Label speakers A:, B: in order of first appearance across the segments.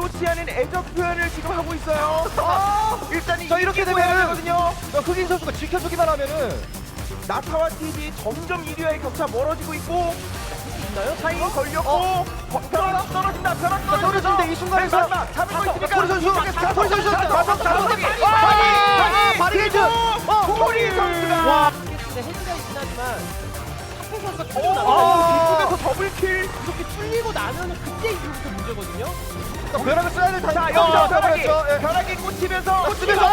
A: 의도치 않은 애적 표현을 지금 하고 있어요. 일단
B: 자, 이렇게 되면은
A: 거든요.
B: 흑인 선수가 지켜주기만 하면은
A: 나타와 TG 점점 1위와의 격차 멀어지고 있고
C: 있나요?
A: 차이 걸렸고 벼락 떨어진다. 벼락
B: 떨어지는데 이 순간에서
A: 잡을 거 있으니까
B: 소리 선수 소리 선수
A: 자석이
B: 바리게이트
A: 코리 선수가
C: 근데 헤드가 있긴 하지만 탁구 선수가
A: 오,
C: 뚫리고 나면
A: 뒤쪽에서 더블킬.
C: 이렇게 뚫리고 나면 그때 이후부터 문제거든요.
B: 벼락을 써야 될
A: 자,
B: 타이밍.
A: 여기서 벼락이
B: 예.
A: 벼락이 꽂히면서
B: 꽂히면서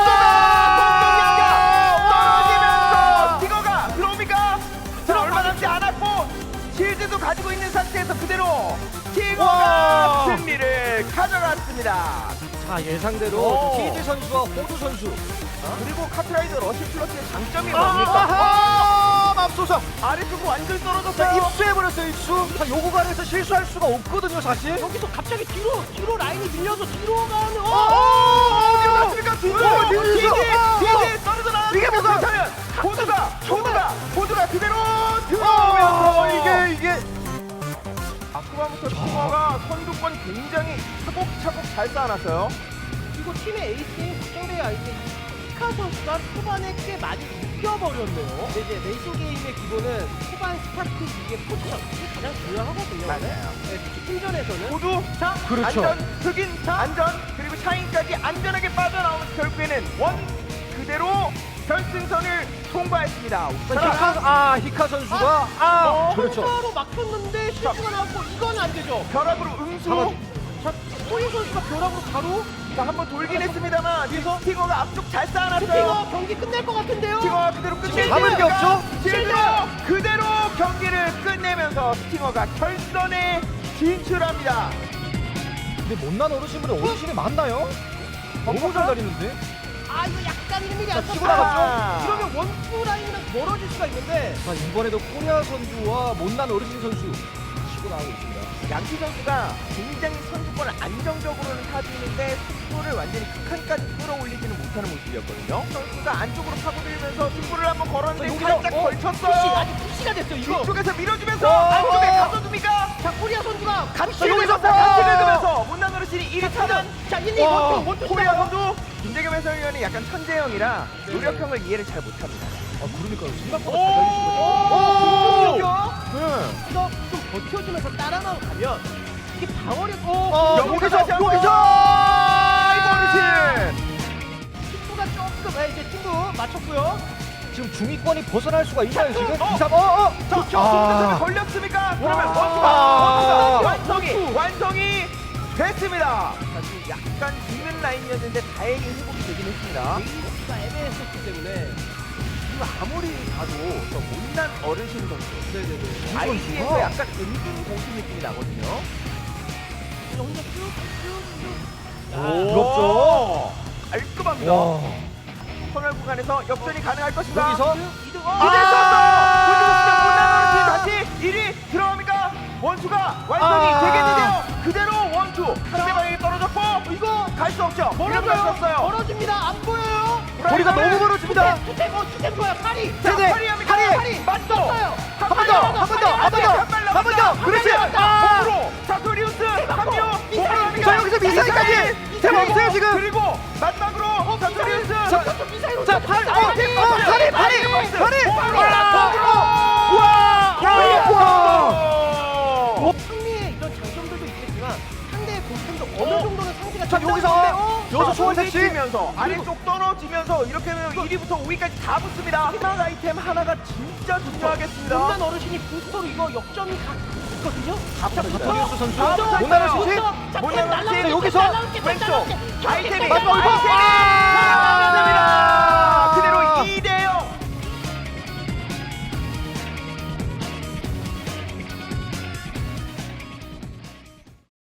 A: 떨어지면서 티거가 들어옵니까? 자, 얼마 남지 않았고 실드도 가지고 있는 상태에서 그대로 티거가
B: 와.
A: 승리를 가져갔습니다.
B: 자, 예상대로
A: 오.
B: TG 선수와 호두 선수.
A: 그리고 카트라이더 러시 플러스의 장점이 뭡니까?
B: 아하! 맙소사.
A: 아래쪽 완전
B: 자,
A: 떨어졌어요.
B: 입수해버렸어요, 입수. 자, 요 구간에서 실수할 수가 없거든요, 사실.
C: 여기서 갑자기 뒤로 라인이 밀려서 뒤로 가는
A: 어디 갔습니까? 뒤로
B: 뒤로.
A: 뒤에 떨어져 나왔습니다.
B: 이게 뭐가?
A: 보드가 그대로 들어오면서
B: 이게.
A: 아쿠바부터 티거가 선두권 굉장히 차곡차곡 잘 쌓아놨어요.
C: 그리고 팀의 에이스인 박정배의 아이스 히카 선수가 초반에 꽤 많이 웃겨버렸네요. 근데 이제 레이싱 게임의 기본은 초반 스타트 이게 포지션 이게 가장 중요하거든요.
A: 맞아요.
C: 네, 특히 팀전에서는
A: 모두 자
B: 그렇죠.
A: 안전 흑인 안전 그리고 샤인까지 안전하게 빠져나오면서 결국에는 원 그대로 결승선을 통과했습니다.
B: 히카 선수가 그렇죠.
C: 로 막혔는데 실수가 나왔고 이건 안 되죠.
A: 벼락으로 응수.
C: 자, 호인 선수가 벼락으로 바로
A: 자, 한번 돌긴 했습니다만 뒤에서 티거가 앞쪽 잘 쌓아놨어요.
C: 스팅어 경기 끝낼 것 같은데요.
A: 스팅어가 그대로 끝내면서
B: 잡을 게 없죠?
A: 실드로 그대로 경기를 끝내면서 스팅어가 결선에 진출합니다.
B: 근데 못난 어르신분이 어르신이 맞나요? 너무 잘 다니는데?
C: 아 이거 약간 1mm 안
B: 치고
C: 쳤다.
A: 나갔죠?
C: 이러면 원투 라인이랑 멀어질 수가 있는데
B: 자, 이번에도 코리아 선수와 못난 어르신 선수 치고 나오고 있습니다.
A: 양키 선수가 굉장히 선수권을 안정적으로는 타주는데 승부를 완전히 극한까지 끌어올리지는 못하는 모습이었거든요. 선수가 안쪽으로 파고들면서 승부를 한번 걸었는데
C: 여기서,
A: 살짝
C: 푸시
A: 걸쳤어요.
C: 아직 푸시가 됐어 이거.
A: 뒤쪽에서 밀어주면서 안쪽에 가둬둡니까?
C: 자 코리아 선수가
A: 감시를
B: 여기서
A: 여기서 감시를 끄면서 못난 어르신이 1위 타면
C: 자 1, 2 원투
A: 코리아 선수 김대겸 해설위원이 약간 천재형이라 노력형을 이해를 잘 못합니다.
B: 그러니까요. 생각보다 잘 달리시거든요. 네.
C: 이거 좀 버텨주면서 따라만 가면 이게 방어력
B: 여기서
A: 이거 어르신
C: 친구가 조금 이제 친구 맞췄고요.
B: 지금 중위권이 벗어날 수가 있나요, 지금?
A: 어.
B: 2, 3,
A: 자, 걸렸습니까? 그러면 원투가 완성이 됐습니다. 자, 지금 약간 죽는 라인이었는데 다행히 회복이 되긴 했습니다.
C: 베이스가 애매했었기 때문에
A: 지금 아무리 봐도 저 못난 어르신 선수
C: 네네네.
A: 아이디에서 약간 은근 고수 느낌이 나거든요.
C: 혼자 쭉쭉쭉
B: 부럽죠?
A: 깔끔합니다. 터널 구간에서 역전이 가능할 것인가?
B: 여기서
C: 2등
A: 못난 어르신 다시 1위 들어갑니까? 원투가 완성이 되겠는데요. 그대로 원투 상대방에게 떨어졌고 이거 갈 수 없죠. 이러면 갈수 없어요.
C: 멀어집니다. 안 보여요.
B: 거리가 너무 멀어집니다.
C: 투템 좋아요. 파리.
B: 세대,
A: 파리 맞죠?
B: 한 번 더, 그렇지.
A: 몸으로 사토리우스 합류. 몸으로 합니까?
B: 자, 여기서 미사일까지. 대박 없어요, 지금.
A: 그리고 마지막으로 사토리우스.
B: 자, 파리.
C: 승리의 이런 장점들도 있겠지만 상대의 공격도 어느 정도는 상대가
B: 자, 여기서 소원 택시.
A: 면서 아래쪽 떨어지면서 이렇게 되면 1위부터 5위까지 다 붙습니다. 희망 아이템 하나가 진짜 중요하겠습니다.
C: 못난 어르신이 부스터로 이거 역전이 갔거든요.
B: 사토리우스 선수.
A: 자,
B: 못난 어르신.
A: 못난 어르신.
B: 여기서
A: 왼쪽 아이템이
B: 맞고,
A: 살아나면 됩니다.